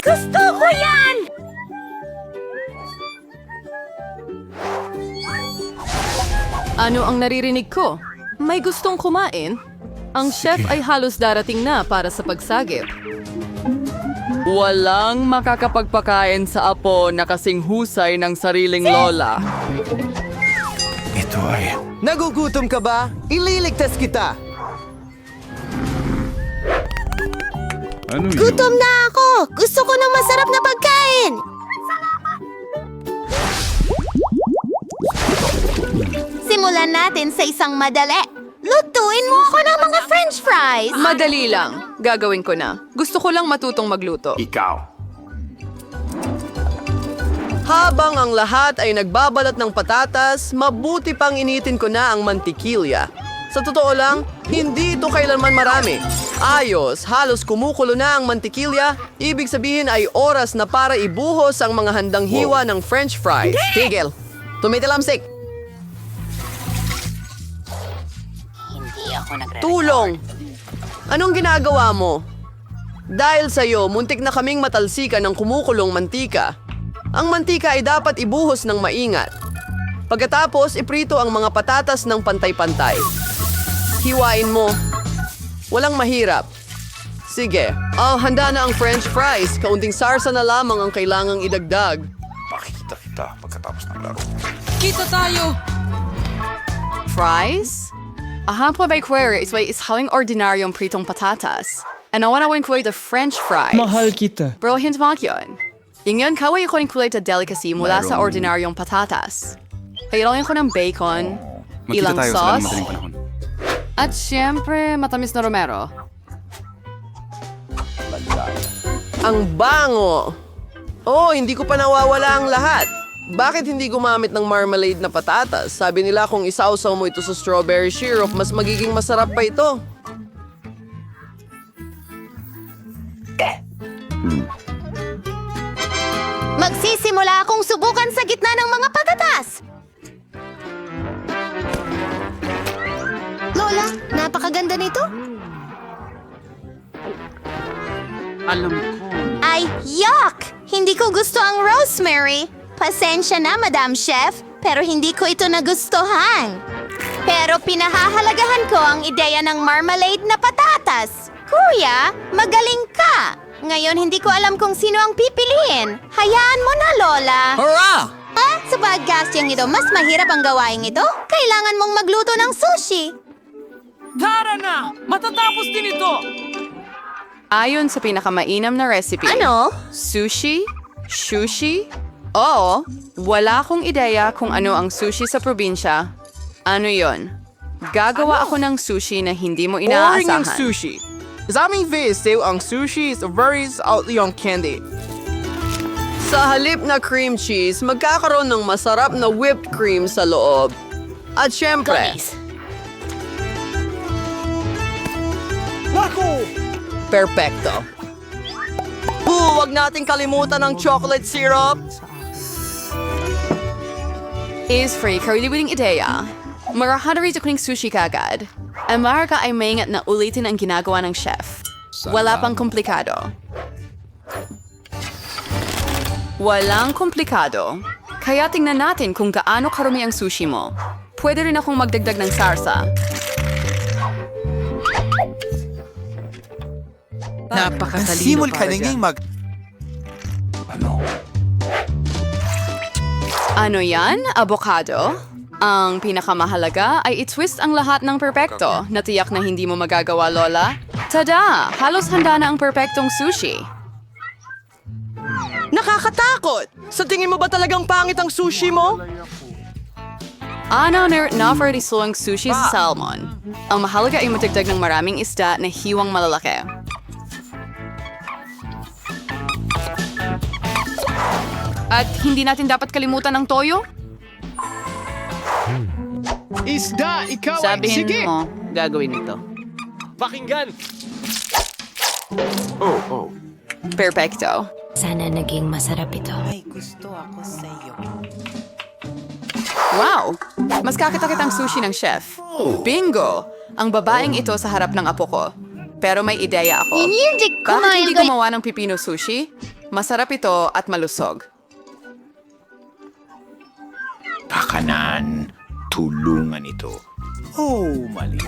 Gusto ko yan! Ano ang naririnig ko? May gustong kumain? Ang chef ay halos darating na para sa pagsagip. Walang makakapagpakain sa apo na kasing husay ng sariling lola. Ito ay... Nagugutom ka ba? Ililigtas kita! Ano yun? Gutom na ako! Gusto ko ng masarap na pagkain! Simulan natin sa isang madali. Lutuin mo ako ng mga french fries! Madali lang. Gagawin ko na. Gusto ko lang matutong magluto. Ikaw. Habang ang lahat ay nagbabalat ng patatas, mabuti pang initin ko na ang mantikilya. Sa totoo lang, hindi ito kailanman marami. Ayos, halos kumukulo na ang mantikilya, ibig sabihin ay oras na para ibuhos ang mga handang hiwa ng french fries. Tigil! Tumitilamsik! Tulong! Anong ginagawa mo? Dahil sa'yo, muntik na kaming matalsikan ng kumukulong mantika. Ang mantika ay dapat ibuhos ng maingat. Pagkatapos, iprito ang mga patatas ng pantay-pantay. Hiwain mo. Walang mahirap. Sige. Handa na ang french fries. Kaunting sarsa na lamang ang kailangang idagdag. Makikita kita pagkatapos ng laro. Kita tayo! Fries? Ang po by query is haling ordinaryong pritong patatas. And nawanawin ko the French fries. Mahal kita. Bro, hindi mo yun. Yung kaway ko ng kulay na delicacy mula sa ordinaryong patatas. Kailangan ko ng bacon, ilang Magkita tayo sa sauce, madaling panahon. at syempre matamis na romero. Ang bango! Oh, hindi ko pa nawawala ang lahat. Bakit hindi gumamit ng marmalade na patatas? Sabi nila kung isausaw mo ito sa strawberry syrup, mas magiging masarap pa ito. Magsisimula akong subukan sa gitna ng mga patatas! Lola, napakaganda nito. Alam ko. Ay, yuck! Hindi ko gusto ang rosemary. Pasensya na, Madam Chef, pero hindi ko ito nagustuhan. Pero pinahahalagahan ko ang ideya ng marmalade na patatas. Kuya, magaling ka! Ngayon hindi ko alam kung sino ang pipiliin. Hayaan mo na, Lola. Hurrah! Sa podcasting ito, mas mahirap ang gawain ito. Kailangan mong magluto ng sushi. Tara na! Matatapos din ito! Ayon sa pinakamainam na recipe. Ano? Sushi? Sushi? Oo, wala akong ideya kung ano ang sushi sa probinsya. Ano yon? Gagawa ako ng sushi na hindi mo Boring ang inaasahan. sushi. Sa aming visit, ang sushi is very salty on candy. Sa halip na cream cheese, magkakaroon ng masarap na whipped cream sa loob. At syempre, perfecto. Huwag nating kalimutan ang chocolate syrup. Is free kariliwing ideya. Marahadari sa kuning sushi kagad. Ang maraka ay maingat na ulitin ang ginagawa ng chef. Wala pang komplikado. Walang komplikado. Kaya tingnan natin kung gaano karumi ang sushi mo. Pwede rin akong magdagdag ng sarsa. Napakatalino para dyan. Ano yan? Avocado? Ang pinakamahalaga ay i-twist ang lahat ng perpekto na tiyak na hindi mo magagawa, Lola. Tada! Halos handa na ang perpektong sushi. Nakakatakot! Sa tingin mo ba talagang pangit ang sushi mo? Ano na for ang sushi sa salmon. Ang mahalaga ay matagdag ng maraming isda na hiwang malalaki. At hindi natin dapat kalimutan ang toyo? Isda, ikaw Sabihin mo, gagawin ito. Perfecto. Sana naging masarap ito. Wow! Mas kakita-kitang sushi ng chef. Bingo! Ang babaeng ito sa harap ng apo ko. Pero may ideya ako. Hindi Bakit hindi gumawa ng pipino sushi? Masarap ito at malusog. Pakanan. Tulungan ito. Oh, maliit.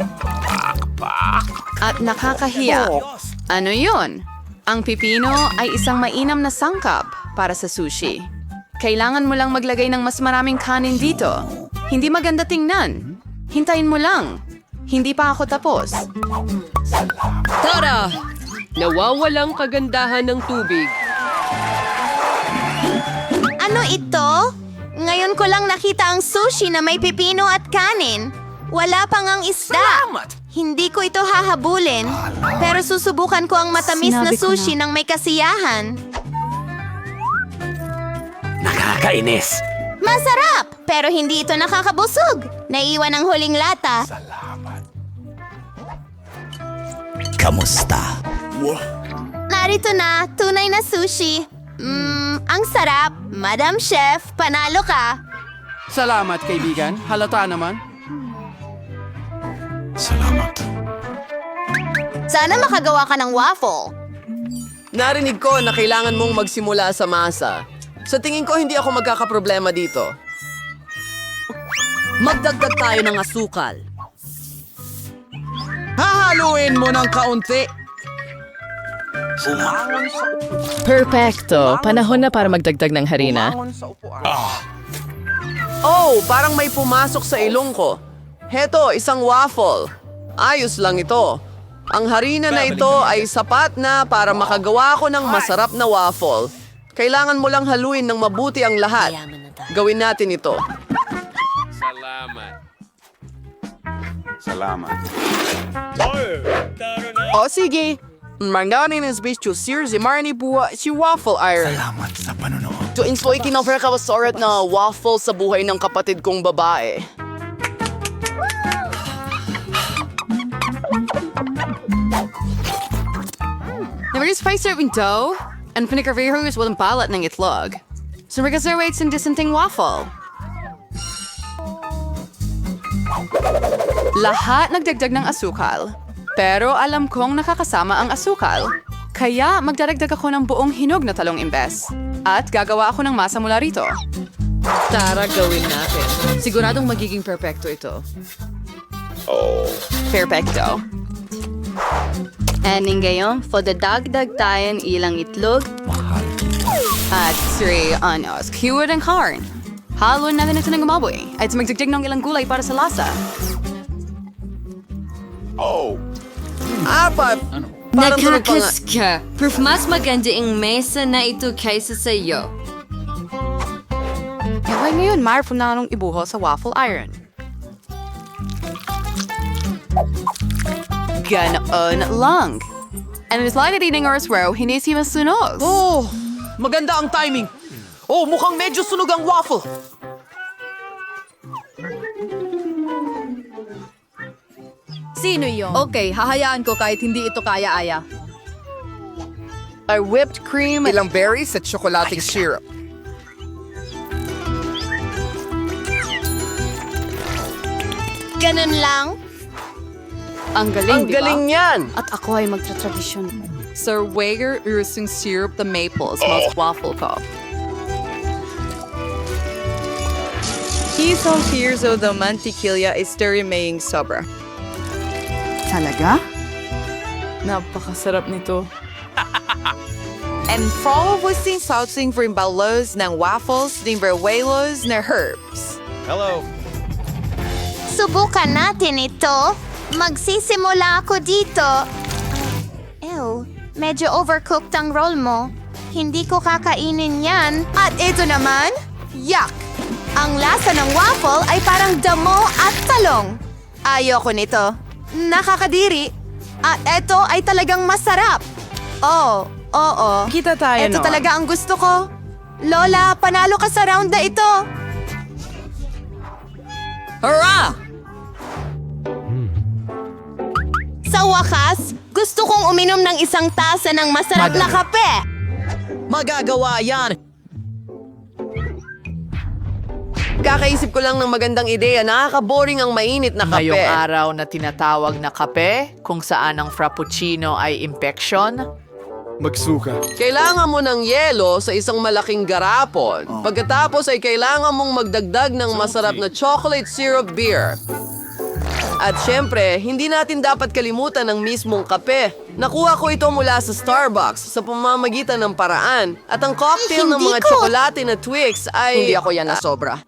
At nakakahiya. Ano yun? Ang pipino ay isang mainam na sangkap para sa sushi. Kailangan mo lang maglagay ng mas maraming kanin dito. Hindi maganda tingnan. Hintayin mo lang. Hindi pa ako tapos. Tara! Nawawalang kagandahan ng tubig. Ano ito? Ngayon ko lang nakita ang sushi na may pipino at kanin. Wala pang ang isda. Hindi ko ito hahabulin. Pero susubukan ko ang matamis na Sinabi ko sushi ng may kasiyahan. Nakakainis. Masarap! Pero hindi ito nakakabusog. Naiwan ang huling lata. Kamusta? Narito na, tunay na sushi. Ang sarap. Madam Chef, panalo ka. Salamat, kaibigan. Halata naman. Salamat. Sana makagawa ka ng waffle. Narinig ko na kailangan mong magsimula sa masa. Sa tingin ko, hindi ako magkakaproblema dito. Magdagdag tayo ng asukal. Hahaluin mo ng kaunti. Perfecto. Panahon na para magdagdag ng harina. Oh, parang may pumasok sa ilong ko. Heto, isang waffle. Ayos lang ito. Ang harina na ito ay sapat na para makagawa ko ng masarap na waffle. Kailangan mo lang haluin ng mabuti ang lahat. Gawin natin ito. Salamat. O sige. Manganin is bitch to sears marni buwa si waffle iron. Salamat sa panonood. To insoy kinoffer ka wasorat na waffle sa buhay ng kapatid kong babae. Nabagay spice serving dough, and pinagkarvihos walang balat ng itlog. So reservates in dissenting waffle. Lahat nagdagdag ng asukal. Pero alam kong nakakasama ang asukal. Kaya magdaragdag ako ng buong hinog na talong imbes. At gagawa ako ng masa mula rito. Tara, gawin natin. Siguradong magiging perpekto ito. Perfecto. And ngayon, dagdag tayo ilang itlog. At 3 anos, keyword and corn. Haluin natin ito ng gumaboy. At magdagdag ng ilang gulay para sa lasa. Apat! Parang tunog pa nga. ka. Proof mas maganda ang mesa na ito kaysa sa iyo. Okay, ngayon, mayroon na nung ibuho sa waffle iron. Ganoon lang. And it's like eating oras row, hindi si masunog. Oh, maganda ang timing. Oh, mukhang medyo sunog ang waffle. Sino yon? Okay, hahayaan ko kahit hindi ito kaya-aya. Ay whipped cream, ilang berries at tsokolating syrup. Ganun lang. Ang galing, Ang di ba? galing niyan. At ako ay magtra-tradisyon. Sir Wager using syrup the maple smells waffle ko. Isang here's the mantikilya is maying sobra. Talaga? Napakasarap nito. And follow with the saucing for imbalos ng waffles, ng verwelos na herbs. Hello. Subukan natin ito. Magsisimula ako dito. Ew, medyo overcooked ang roll mo. Hindi ko kakainin yan. At ito naman, yuck! Ang lasa ng waffle ay parang damo at talong. Ayoko nito. Nakakadiri. At ito ay talagang masarap. Oo. Kita tayo Ito noon. talaga ang gusto ko. Lola, panalo ka sa round na ito. Hurrah! Sa wakas, gusto kong uminom ng isang tasa ng masarap na kape. Magagawa yan. Kakaisip ko lang ng magandang ideya. Nakaka-boring ang mainit na kape. Ngayong araw na tinatawag na kape, kung saan ang frappuccino ay impeksyon, Magsuka. Kailangan mo ng yelo sa isang malaking garapon. Pagkatapos ay kailangan mong magdagdag ng masarap na chocolate syrup beer. At syempre, hindi natin dapat kalimutan ng mismong kape. Nakuha ko ito mula sa Starbucks sa pamamagitan ng paraan. At ang cocktail ng Hindi mga ko- tsokolate na Twix ay... Hindi ako yan na sobra.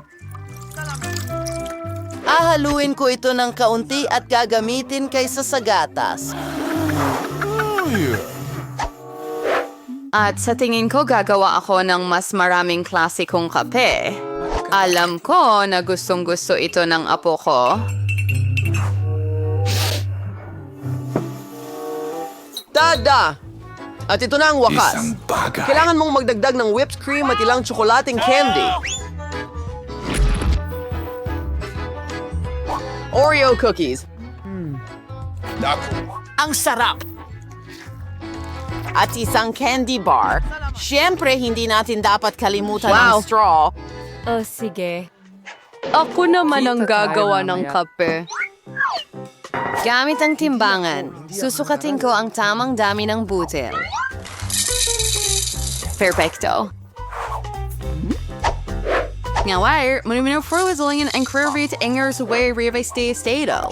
Ahaluin ko ito ng kaunti at gagamitin kaysa sa gatas. At sa tingin ko gagawa ako ng mas maraming klasikong kape. Alam ko na gustong-gusto ito ng apo ko. Tada! At ito na ang wakas. Isang bagay. Kailangan mong magdagdag ng whipped cream at ilang tsokolating candy. Oreo cookies. Ang sarap! At isang candy bar. Siyempre, hindi natin dapat kalimutan ang straw. Oh, sige. Ako naman ang gagawa ng kape. Gamit ang timbangan, susukatin ko ang tamang dami ng butil. Perfecto. Ngayon, muna fruizelingen ang curvit ingers way rive stay estado.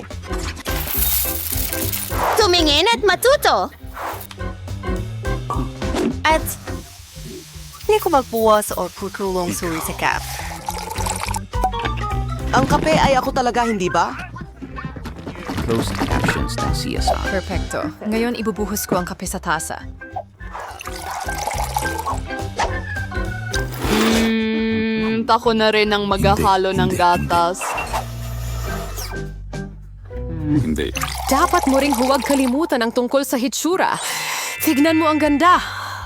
Tumingin at matuto. At Hindi ko magbuwas o kutulong suri sa kap. Ang kape ay ako talaga, hindi ba? Closed captions ng CSR. Perfecto. Ngayon, ibubuhos ko ang kape sa tasa. Ako na rin ang maghahalo ng gatas. Hindi. Dapat mo ring huwag kalimutan ang tungkol sa hitsura. Tignan mo ang ganda.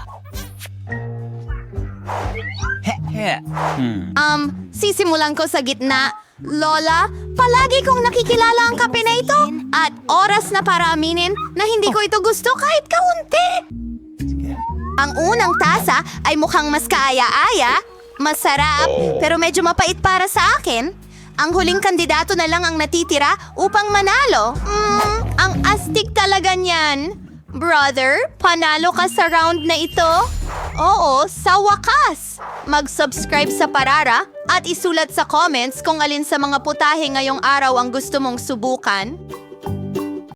Sisimulan ko sa gitna. Lola, palagi kong nakikilala ang kape na ito. At oras na para aminin na hindi ko ito gusto kahit kaunti. Ang unang tasa ay mukhang mas kaaya-aya, masarap, pero medyo mapait para sa akin. Ang huling kandidato na lang ang natitira upang manalo. Ang astig talaga niyan. Brother, panalo ka sa round na ito? Oo, sa wakas. Mag-subscribe sa Parara at isulat sa comments kung alin sa mga putahe ngayong araw ang gusto mong subukan.